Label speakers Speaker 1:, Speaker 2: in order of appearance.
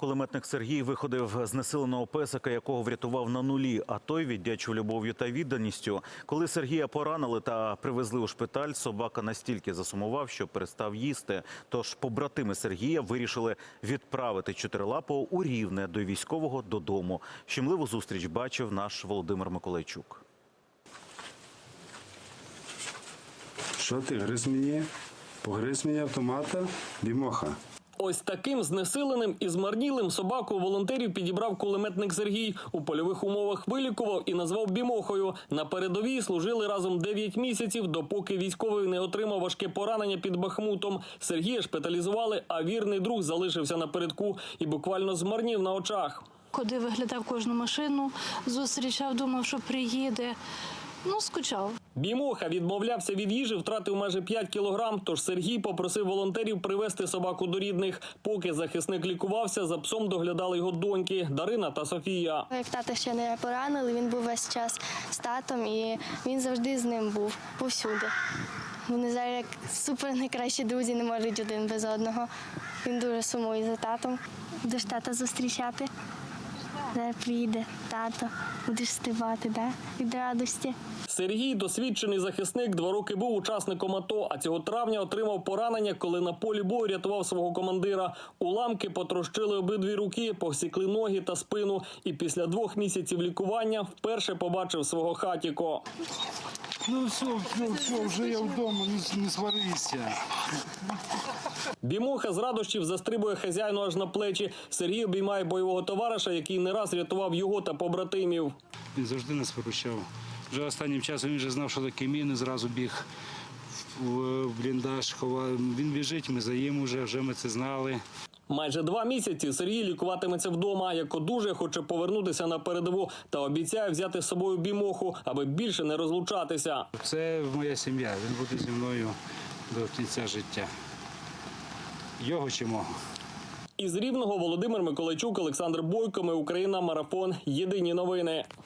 Speaker 1: Кулеметник Сергій виходив знесиленого песика, якого врятував на нулі, а той віддячив любов'ю та відданістю. Коли Сергія поранили та привезли у шпиталь, собака настільки засумував, що перестав їсти. Тож побратими Сергія вирішили відправити чотирилапого у Рівне до військового додому. Щемливу зустріч бачив наш Володимир Миколайчук.
Speaker 2: Що ти, гриз мені? Погриз мені автомата? Бімоха.
Speaker 3: Ось таким знесиленим і змарнілим собаку волонтерів підібрав кулеметник Сергій. У польових умовах вилікував і назвав Бімохою. На передовій служили разом 9 місяців, допоки військовий не отримав важке поранення під Бахмутом. Сергія шпиталізували, а вірний друг залишився напередку і буквально змарнів на очах.
Speaker 4: Ходив, виглядав кожну машину, зустрічав, думав, що приїде. Скучав.
Speaker 3: Бімоха відмовлявся від їжі, втратив майже 5 кілограм, тож Сергій попросив волонтерів привезти собаку до рідних. Поки захисник лікувався, за псом доглядали його доньки Дарина та Софія.
Speaker 5: Як тата ще не поранили, він був весь час з татом і він завжди з ним був, повсюди. Вони зараз як супер найкращі друзі, не можуть один без одного. Він дуже сумує за татом. Будеш тата зустрічати? Зараз приїде тато, будеш співати, да? Від радості.
Speaker 3: Сергій – досвідчений захисник, 2 роки був учасником АТО, а цього травня отримав поранення, коли на полі бою рятував свого командира. Уламки потрощили обидві руки, повсікли ноги та спину. І після 2 місяців лікування вперше побачив свого хатіко.
Speaker 2: Все, вже я вдома, не сварися.
Speaker 3: Бімоха з радощів застрибує хазяїну аж на плечі. Сергій обіймає бойового товариша, який не раз рятував його та побратимів.
Speaker 2: Він завжди нас виручав. Вже останнім часом він вже знав, що таке міни, зразу біг в бліндаж, ховав. Він біжить, ми за ним вже ми це знали.
Speaker 3: Майже 2 місяці Сергій лікуватиметься вдома, як одужає, хоче повернутися на передову та обіцяє взяти з собою Бімоху, аби більше не розлучатися.
Speaker 2: Це моя сім'я, він буде зі мною до кінця життя. Його чи мого.
Speaker 3: Із Рівного Володимир Миколайчук, Олександр Бойко. Ми Україна. Марафон. Єдині новини.